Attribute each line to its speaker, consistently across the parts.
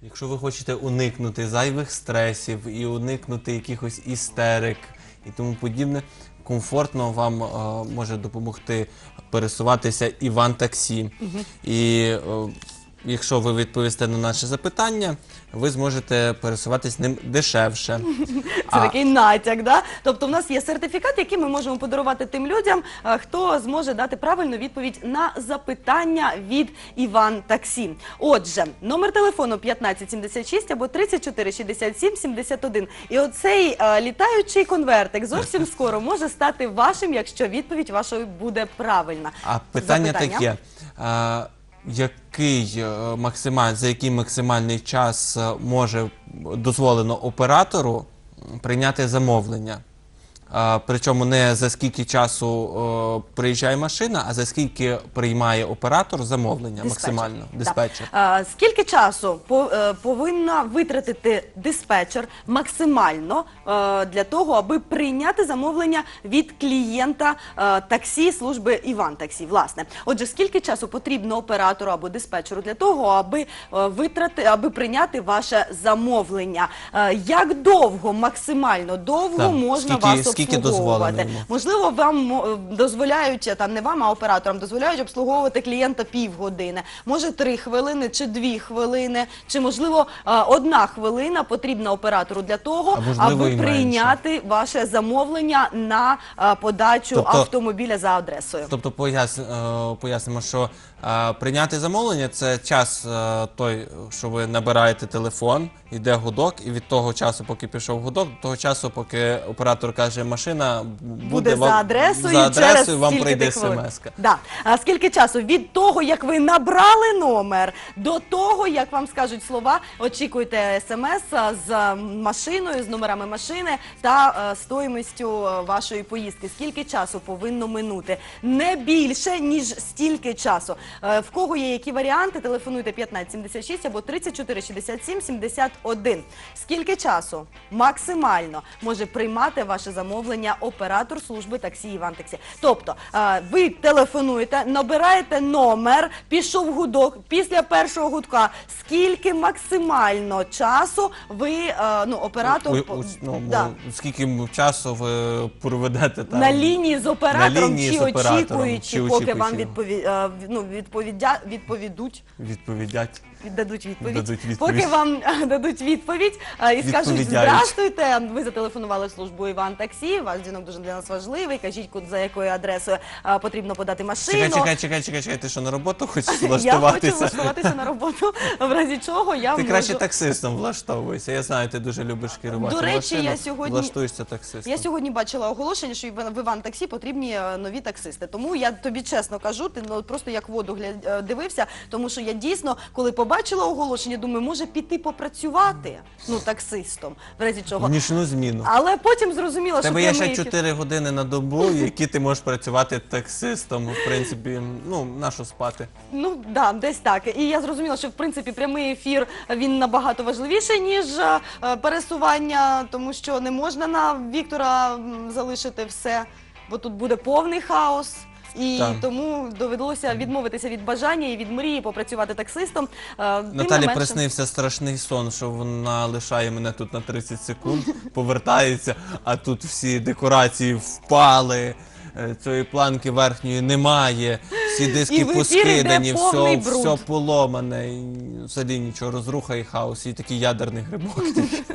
Speaker 1: Якщо ви хочете уникнути зайвих стресів і уникнути якихось істерик і тому подібне, комфортно вам може допомогти пересуватися Іван-таксі. І якщо ви відповісте на наше запитання, ви зможете пересуватись ним дешевше.
Speaker 2: Це такий натяк, да? Тобто в нас є сертифікат, який ми можемо подарувати тим людям, хто зможе дати правильну відповідь на запитання від Іван-таксі. Отже, номер телефону 1576 або 34 67 71. І оцей літаючий конвертик зовсім скоро може стати вашим, якщо відповідь вашої буде правильна.
Speaker 1: А питання таке. За який максимальний час може дозволено оператору прийняти замовлення? Причому не за скільки часу приїжджає машина, а за скільки приймає оператор замовлення максимально, диспетчер.
Speaker 2: Скільки часу повинна витратити диспетчер максимально для того, аби прийняти замовлення від клієнта таксі, служби Іван-таксі, власне. Отже, скільки часу потрібно оператору або диспетчеру для того, аби прийняти ваше замовлення? Як довго, максимально довго можна вас обслуговувати? Можливо, вам дозволяють, не вам, а операторам, дозволяють обслуговувати клієнта півгодини, може 3 хвилини чи 2 хвилини, чи можливо 1 хвилина потрібна оператору для того, аби прийняти ваше замовлення на подачу автомобіля за адресою.
Speaker 1: Тобто пояснимо, що прийняти замовлення – це час той, що ви набираєте телефон, йде гудок, і від того часу, поки пішов гудок, до того часу, поки оператор каже, машина буде
Speaker 2: за адресою,
Speaker 1: вам прийде смс-ка.
Speaker 2: Да. А скільки часу? Від того, як ви набрали номер, до того, як вам скажуть слова, очікуйте смс з машиною, з номерами машини та стоїмостю вашої поїздки. Скільки часу повинно минути? Не більше, ніж стільки часу. В кого є які варіанти, телефонуйте 1576 або 34 67 71. Скільки часу максимально може приймати ваше замовлення оператор служби таксі Іван-таксі? Тобто, ви телефонуєте, набираєте номер, пішов гудок, після першого гудка, скільки максимально часу ви, оператор...
Speaker 1: Скільки часу ви проведете там?
Speaker 2: На лінії з оператором, чи очікуючи, поки вам дадуть відповідь. Поки вам дадуть відповідь і скажуть, здрастуйте, ви зателефонували в службу Іван-таксі, ваш дзвінок дуже для нас важливий, кажіть, за якою адресою потрібно подати машину.
Speaker 1: Чекай, ти що, на роботу хочеш влаштуватися?
Speaker 2: Я хочу влаштуватися на роботу, в разі чого я можу...
Speaker 1: Ти краще таксистом влаштовуйся, я знаю, ти дуже любиш керувати машину, влаштуєшся таксистом.
Speaker 2: Я сьогодні бачила оголошення, що в Іван-таксі потрібні нові таксисти, тому я тобі чесно кажу, ти просто як воду дивився, тому що я дійсно, коли побачила оголошення, думаю, може піти попрацювати, таксистом, в разі чого.
Speaker 1: В нічну зміну.
Speaker 2: Але потім зрозуміла, що...
Speaker 1: Тебе є ще 4 години на добу, які ти можеш працювати таксистом, в принципі, на що спати.
Speaker 2: Так, десь так. І я зрозуміла, що, в принципі, прямий ефір, він набагато важливіший, ніж пересування, тому що не можна на Віктора залишити все, бо тут буде повний хаос. І тому довелося відмовитися від бажання і від мрії попрацювати таксистом.
Speaker 1: Наталі приснився страшний сон, що вона лишає мене тут на 30 секунд, повертається, а тут всі декорації впали, цієї планки верхньої немає, всі диски поскидані, все поломане, взагалі нічого, розруха і хаос, і такий ядерний грибок.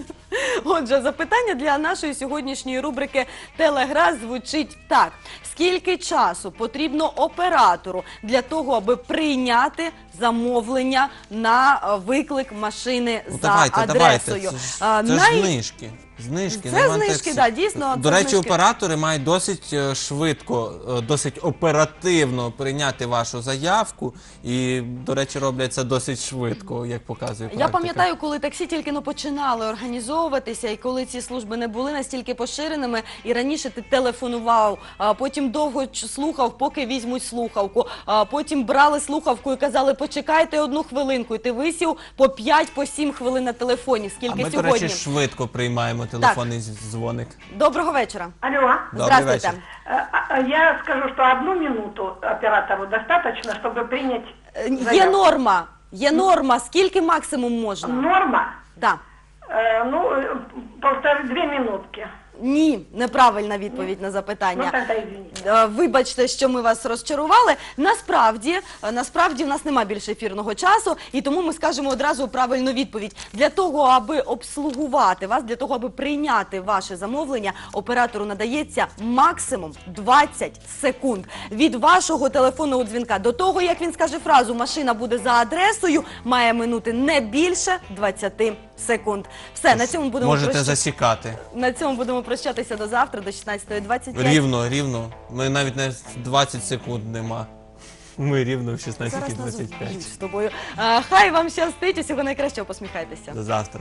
Speaker 2: Отже, запитання для нашої сьогоднішньої рубрики «Телегра» звучить так. Скільки часу потрібно оператору для того, аби прийняти замовлення на виклик машини за адресою?
Speaker 1: Це ж знижки.
Speaker 2: Це знижки, так, дійсно.
Speaker 1: До речі, оператори мають досить швидко, досить оперативно прийняти вашу заявку і, до речі, роблять це досить швидко, як показує практика.
Speaker 2: Я пам'ятаю, коли таксі тільки починали організовуватися, і коли ці служби не були настільки поширеними, і раніше ти телефонував, потім довго слухав, поки візьмуть слухавку, потім брали слухавку і казали, почекайте 1 хвилинку, і ти висів по 5-7 хвилин на телефоні. Скільки сьогодні?
Speaker 1: А ми, до речі, швидко приймаємо телефонний дзвоник.
Speaker 2: Доброго вечора.
Speaker 3: Алло.
Speaker 2: Здравствуйте.
Speaker 3: Я скажу, что 1 минуту оператору достаточно, чтобы принять заявку.
Speaker 2: Є норма Є норма, скільки максимум можна?
Speaker 3: Норма?
Speaker 2: Да.
Speaker 3: Ну, 2 минутки.
Speaker 2: Ні, неправильна відповідь на
Speaker 3: Ну,
Speaker 2: запитання.
Speaker 3: тогда извините.
Speaker 2: Вибачте, що ми вас розчарували. Насправді в нас нема більше ефірного часу, і тому ми скажемо одразу правильну відповідь. Для того, аби обслугувати вас, для того, аби прийняти ваше замовлення, оператору надається максимум 20 секунд. Від вашого телефонного дзвінка до того, як він скаже фразу «машина буде за адресою», має минути не більше 20 секунд. Все, на цьому будемо
Speaker 1: Можете засікати.
Speaker 2: На цьому будемо прощатися до завтра, до 16:25.
Speaker 1: Рівно. Ми навіть не 20 секунд нема. Ми рівно в
Speaker 2: Зараз нас
Speaker 1: 16:25.
Speaker 2: вб'ють з тобою. Хай вам щастить, усього найкращого, посміхайтеся.
Speaker 1: До завтра.